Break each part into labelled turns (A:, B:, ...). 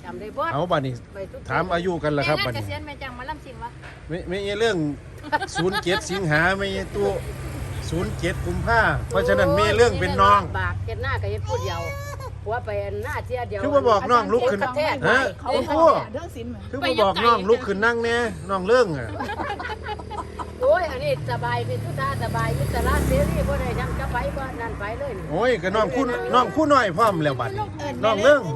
A: จำได้บ่
B: เอาบัดนี้ถามอายุกันล่ะครับบัดนี้
A: เกษียณแม่จังมาล่ำสิงวะ
B: ไม่เรื่อง07สิงหาไม่ตัว07กุมภาเพราะฉะนั้นมีเรื่องเป็นน้อง
A: บากเฮ็ดหน้าก็เฮ็ดพูดเดียวหัวไปหน้าเที่ยเดียว
B: คือบ่บอกน้องลุกขึ้นฮะคุณครูคือบ่บอกน้องลุกขึ้นนั่งแน่น้องเรื่องอ่ะ
A: โอ้ยอันนี้สบายเป็นทุกท่าสบายอิสระเสรีบ่ได้ยังจะไปบ่นั่นไปเลย
B: โอ้ยก็น้องคู่น้อยพร้อมแล้วบัดนี้น้องเรื่อง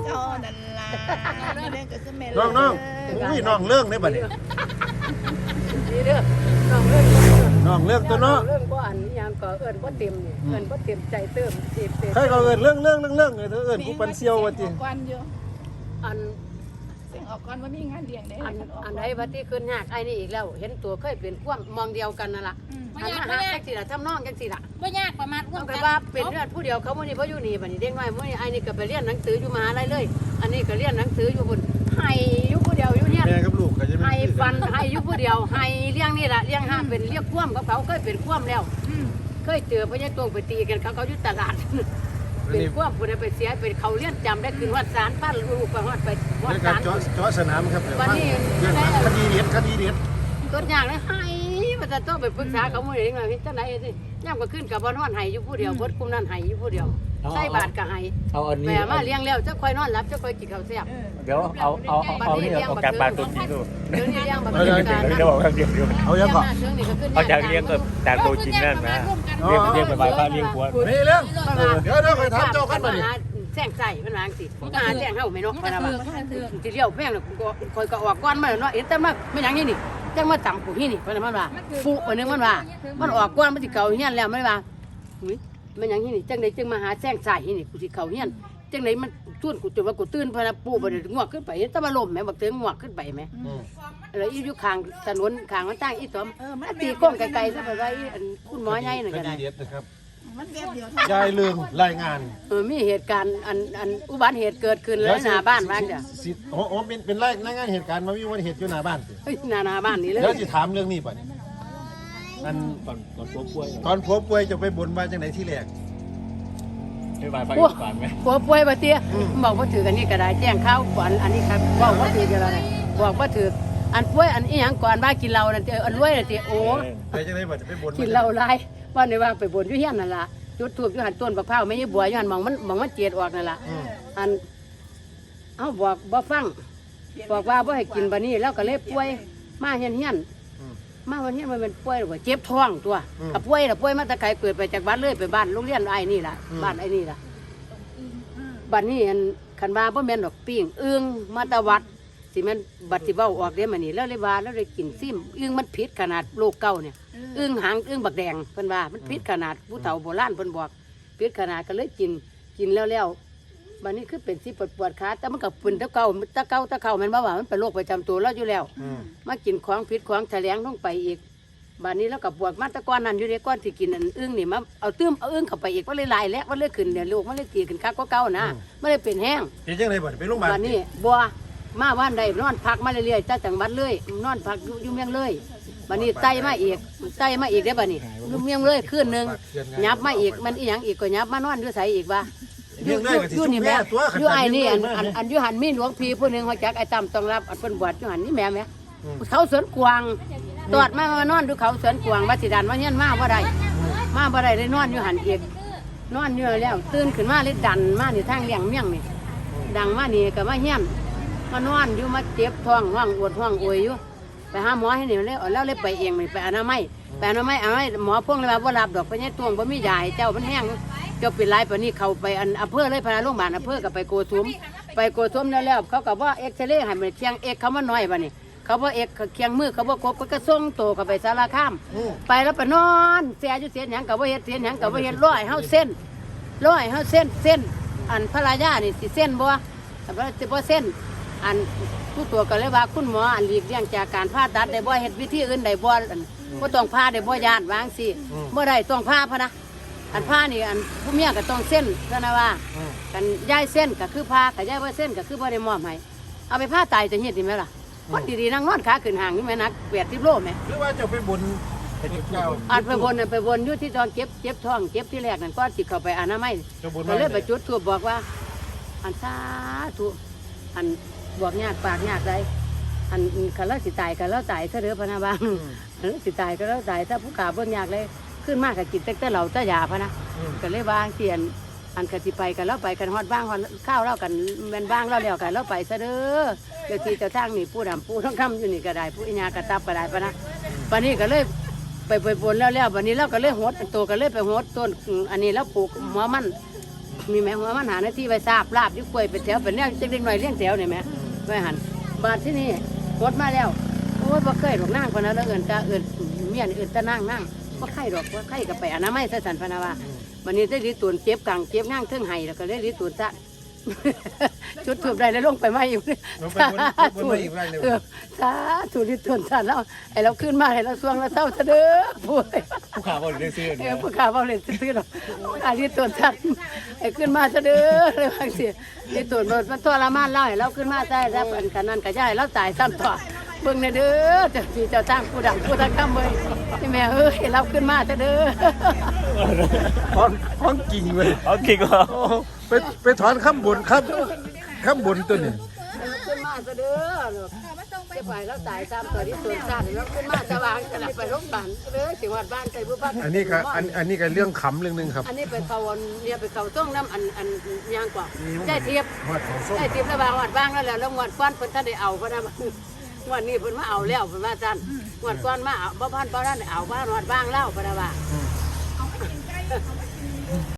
B: น้องอุ้ยน้องเรื่องได้บัดนี้
A: นี่เด้อน้องเรื่อง
B: ตัวเนาะ
A: เรื่องบ่อันยังก็เอิ้นบ่เต็มนี่เอิ้นบ่เต็มใจเติม
B: ใครก็เอิ้นเรื่องเอิ้นผู้ปันเซียวว่าติ
A: อัน
C: สิ่งออกก่อนว่ามีงานเลี้ยงได้
A: อันใดว่าที่ขึ้นยากไอ้นี่อีกแล้วเห็นตัวเคยเป็นความมองเดียวกันนั่นล่ะอันมาหาจังซี่ล่ะทำน้องจังซี่ล่ะ
C: บ่ยากประมาณ
A: ร่วมกันว่าเป็นเรื่องผู้เดียวเขามื้อนี้บ่อยู่นี่บัดนี้เด็กน้อยมื้อนี้ไอ้นี่ก็ไปเรียนหนังสืออยู่มหาลัยเลยอันนี้ก็เรียนหนังสืออยู่พุ่นให้อยู่ผู้เดียวอยู่เนี่ย
B: แม่กับลูกก็จะ
A: ให้ฟันให้อยู่ผู้เดียวให้เลี้ยงนี่ล่ะเลี้ยงห้ามเป็นเรียกความกับเขาเคยเป็นความแล้วเคยเจอพญาตวงไปตีกันเขาอยู่ตลาดเป็นความผู้ใดไปเสียเป็นเขาเลี้ยนจำได้คืนวัดศาลพาลูกไปฮอดไป
B: วัดศาลเจาะสนามครับ
A: วันนี้
B: คดีเด็ด
A: ต้นอย่างเลยให้มันจะต้องไปปรึกษาเขาหมู่เองหน่อยจังไหนสิย่ำก็ขึ้นกับบ่นอนให้อยู่ผู้เดียวเบิดคุมนั่นให้อยู่ผู้เดียวใส่บาทก็ให้แม่มาเลี้ยงแล้วจะค่อยนอนหลับจะค่อยกินข้าวแซ่บ
D: เดี๋ยวเอานี่เอาการบ้านตัวจริงดู
A: เดี๋ยวนี้เลี้ยงบักเกิดการ
D: เดี๋ยวบอกเดี๋ยว
B: เอายังก่อน
D: เอาจากเลี้ยงกับจากตัวจริงนั่นนะเลี้ยงไปบ้านเลี้ยงผัว
B: มีเรื่องเดี๋ยวไปถามเจ้าขั้นมาดิ
A: แซงใส่มันวางสิมาแซงเฮาไม่เนาะนะว่าสิเลี้ยวแพงแล้วคอยก็ออกก้อนมาเนาะเห็นแต่มาไม่ยังนี่จังมาต่ำกูนี่เพิ่นมันว่าปุเพิ่นนึงมันว่ามันออกก้อนมันสิเก่าเฮียนแล้วมันว่ามันยังนี่จังได๋จึงมาหาแซงใส่นี่กูสิเข้าเฮียนจังได๋มันชวนกูจนว่ากูตื่นเพิ่นปุบ่ได้งวกขึ้นไปแต่มาล้มแม่บักเถิงงวกขึ้นไปแม่แล้วอยู่ข้างถนนข้างมันตั้งอีตอมตีก้องไกลๆซะไปไว้คุณหมอใหญ่นั่นก็ได้
B: ยายเรื่องรายงาน
A: มีเหตุการณ์อันอุบัติเหตุเกิดขึ้นแล้วหน้าบ้านบ้างจ้ะ
B: โอ้เป็นรายงานเหตุการณ์มามีอุบัติเหตุอยู่หน้าบ้าน
A: หน้าบ้านนี่เลย
B: เดี๋ยวจะถามเรื่องนี้ป่ะอัน
D: ตอนผัวป่วย
B: จะไปบนมาจังไหนที่แรก
D: ไปบ้านไปก่อนไหม
A: ผัวป่วยบ่เตี้ยบอกว่าถือกันนี่ก็ได้แจ้งข่าวก่อนอันนี้ครับบอกว่าถือกันอะไรบอกว่าถืออันป่วยอันอีหยังก่อนว่ากินเหล้านั่นอันรวยนั่นติโอ้
B: ไปจังไหนบ่จะไปบน
A: กินเหล้าหลายว่าในว่าไปบนอยู่เฮียนนั่นล่ะจุดทูบอยู่หันต้นบักพร้าวไม่ใช่บัวอยู่หันมองมันเจียดออกนั่นล่ะอันเอาบอกบ่ฟังบอกว่าบ่ให้กินบัดนี้แล้วก็เลยป่วยมาเฮียนมาวันนี้มันเป็นป่วยหรือว่าเจ็บท้องตัวกับป่วยมาตะไคร้เกิดไปจากบ้านเลยไปบ้านโรงเรียนไอ้นี่ล่ะบ้านไอ้นี่ล่ะบัดนี้อันคันว่าบ่แม่นดอกปิ้งอึ้งมาตะวัดสิแม่นบัดสิเว้าออกเด้มื้อนี้แล้วเลยว่าแล้วเลยกินซิมอึ้งมันผิดขนาดโลกเก่าเนี่ยอึ้งหางอึ้งบักแดงเพิ่นว่ามันผิดขนาดผู้เฒ่าโบราณเพิ่นบอกผิดขนาดก็เลยกินแล้วบัดนี้คือเป็นสิปวดขาแต่มันก็เป็นตะเก่าแม่นบ่ว่ามันเป็นโรคประจำตัวเราอยู่แล้วมากินของผิดของแถลงลงไปอีกบัดนี้แล้วก็ปวดมาตะก้อนนั้นอยู่ในก้อนที่กินอันอึ้งนี่มาเอาตื้มเอาอึ้งเข้าไปอีกมันเลยลายแล้วมันเลยขึ้นเนี่ยลูกมันเลยตีขึ้นคักกว่าเก่านะมันเลยเป็นแห้ง
B: เป็นจังได๋บ่ไปโรงพยาบาล
A: บัดนี้บ่มาวันใดนอนพักมาเรื่อยๆจังหวัดเลยนอนพักอยู่เมืองเลยบัดนี้ไตมาอีกได้บัดนี้อยู่เมืองเลยคืนนึงยับมาอีกมันอีหยังอีกก็ยับมานอนอยู่ไสอีกว่าอยู่นี่แม่อยู่ไอ้นี่อันอยู่หันมีหลวงพี่ผู้นึงเขาจักไอ้ตำต้องรับอันเพิ่นบวชอยู่หันนี่แม่เขาสวนกวางตอดมานอนดูเขาสวนกวางว่าสิดันว่าเฮียนมาบ่ได้เลยนอนอยู่หันอีกนอนอยู่แล้วตื่นขึ้นมาเลยดันมานี่ทางเลี้ยงเมี่ยงนี่ดังมานี่ก็มาเฮียนมานอนอยู่มาเจ็บท้องห้องอวดห้องอวยอยู่ไปหาหมอให้นี่แล้วเลยไปเองไปอนามัยหมอพวกเลยว่าบ่รับดอกไปเนี่ยตวงบ่มียาให้เจ้ามันแห้งเจ้าเป็นไรปานนี้เขาไปอำเภอเลยพาโรงพยาบาลอำเภอก็ไปโกทุมแล้วเขาก็ว่าเอ็กซเรย์ให้มันเคียงเอ็กเขามาน้อยบัดนี้เขาบ่เอ็กเคียงมือเขาบ่กบก็ส่งโตก็ไปสารคามไปแล้วไปนอนเสียอยู่เสียหยังก็บ่เฮ็ดร้อยเฮาเส้นอันภรรยานี่สิเส้นบ่แต่ว่าสิบ่เส้นอันผู้ตัวก็เลยว่าคุณหมออันหลีกเลี่ยงจากการผ่าตัดได้บ่เฮ็ดวิธีอื่นได้บ่บ่ต้องผ่าได้บ่ญาติวางสิบ่ได้ต้องผ่าพะนะอันผ้านี่อันผู้เมียก็ต้องเส้นเพราะนะว่ากันย้ายเส้นก็คือผ้ากับย้ายว่าเส้นก็คือบ่ได้มอบให้เอาไปผ้าตายจะเฮ็ดดีไหมล่ะคนดีๆนั่งนอนขาขึ้นห่างนี่แม่นัก80 โลแม่
B: หรือว่าจะไปบน
A: อันไปบนอยู่ที่ตอนเจ็บท้องเจ็บที่แรกนั่นก็สิเข้าไปอนามัยก็เลยไปจุดธูปบอกว่าอันสาธุอันบวกยากปากยากไรอันคันเราสิตายกันแล้วตายซะเด้อพะนะบางอันเราสิตายก็แล้วตายถ้าผู้ขาเบิ่งยากเลยขึ้นมากก็กินแต่เหล้าแต่ยาพะนะก็เลยบางเตียนอันกสิไปกันแล้วไปกันฮอดบ้างฮอดข้าวเล่ากันแม่นบ้างแล้วกันแล้วไปซะเด้อเดี๋ยวที่เจ้าทางนี่ผู้ดำผู้ท้องคำอยู่นี่ก็ได้ผู้อิญากระตับก็ได้พะนะวันนี้ก็เลยไปบนแล้ววันนี้เราก็เลยหดตัวก็เลยไปหดต้นอันนี้แล้วปลูกหัวมันมีแม่หัวมันหาหน้าที่ไปทราบลาบยิ่งกล้วยเป็นแถวเป็นเรื่องเล็กๆหน่อยเลี้ยงแถวเนี่ยแม่ไปหันบาดที่นี่หดมาแล้วโอ้ยบ่เคยดอกนั่งคนนั้นแล้วเอิญตาเอิญเมียนเอิญตานั่งบ่ไข่ดอกบ่ไข่กับไปอนามัยซะสันพนาวาวันนี้ได้ดีตุนเจ็บกลางเจ็บนั่งเทิงไห้แล้วก็ได้ดีตุนซะชุดถูกได้แล้วลงไปไม่อยู่
B: ลงไปบนอีกไรเลย
A: สาธุดีตุนซะแล้วไอ้เราขึ้นมาให้เราสวงเราเศร้าซะเด้อพูด
D: ผู้ขาบอกเรื่องซื้อ
A: ผู้ข่าวเอาเลยซื้อหรอกอาลีตัวชัดไอ้ขึ้นมาซะเด้อเลยบางทีที่ตัวมันทรมานเล่าให้เราขึ้นมาได้รับอันกันนั่นก็ย่ายเราตายซ้ำต่อเบิ่งในเด้อเจ้าที่เจ้าตั้งผู้ดังผู้ทักคำเบิ่งนี่แม่เอ้ยเราขึ้นมาซะเด้อ
B: ของกิ่งเลย
D: โอเคก็
B: โอ้ไปถอนข้ามบนครับข้ามบนตัวนี้
A: ขึ้นมาซะเด้อลูกจะไปเราตายซ้ำต่อที่ตัวชัดเราขึ้นมาสว่างขนาดไปโรงพยาบาลเด้อสิวัดบ้านใจผู้พัก
B: อันนี้ก็เรื่องขำเรื่องนึงครับ
A: อันนี้ไปเขาเนี่ยไปเขาต้องน้ำอันยางกว่าได้เทียบ
B: หอดของส้ม
A: ได้ทิพย์ระบางวัดบ้างแล้วแล้วงวดก้อนเพิ่นท่านได้เอาเพราะนะงวดนี้เพิ่นมาเอาแล้วเพิ่นว่าจันงวดก้อนมาเอาบ่พันบ่ท่านได้เอาบ้านวัดบ้างแล้วเพราะนะว่า